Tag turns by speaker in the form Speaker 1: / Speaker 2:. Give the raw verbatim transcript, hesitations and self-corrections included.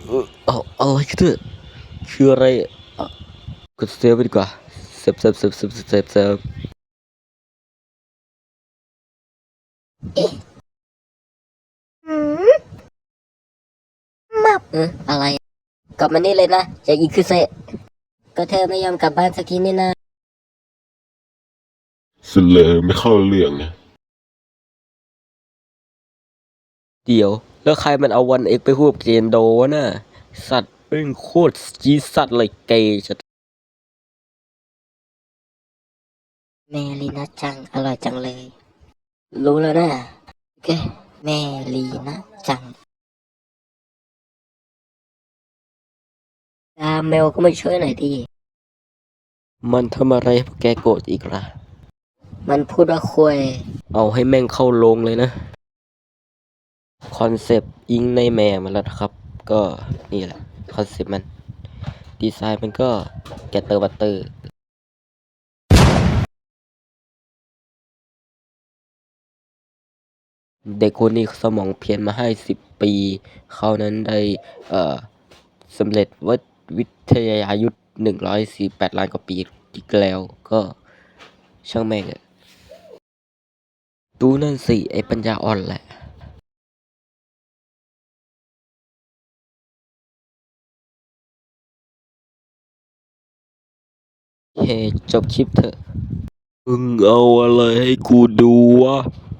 Speaker 1: เออเอาอะไรกันเถอะคืออะไรอ่ะกดเซฟไปดีกว่าเซฟเซฟเซฟเซฟเซฟเซฟ
Speaker 2: อืมมับเอออะไรกลับมานี่เลยนะอย่าอีกคือเซะก็เธอไม่ยอมกลับบ้านสักทีนี่นะ
Speaker 3: สุดเลยไม่เข้าเรื่องนะ
Speaker 1: เดี๋ยวแล้วใครมันเอาวันเอ็กไปพูดกับเจนโดวะน่ะสัตว์เป็นโคตรจีดสัตว์เลยเกย์ชัด
Speaker 2: แม่ลีนะจังอร่อยจังเลยรู้แล้วนะโอเคแม่ลีนะจังตาเมลก็มาช่วยหน่อยดิ
Speaker 1: มันทำอะไรให้พวกแกโกรธอีกล่ะ
Speaker 2: มันพูดว่าคุย
Speaker 1: เอาให้แม่งเข้าโรงเลยนะคอนเซปต์อิงในแม่มาแล้วนะครับก็นี่แหละคอนเซปต์มันดีไซน์มันก็แกตเตอร์บัตเตอร์เด็กคนนี้สมองเพี้ยนมาให้สิบปีเขานั้นได้เอ่อสำเร็จววิทยายุทธหนึ่งร้อยสี่แปดล้านกว่าปีอีกแล้วก็ช่างแม่งอะดูนั่นสิไอ้ปัญญาอ่อนแหละเฮ้จบคลิปเถอะมึงเอาอะไรให้กูดูวะ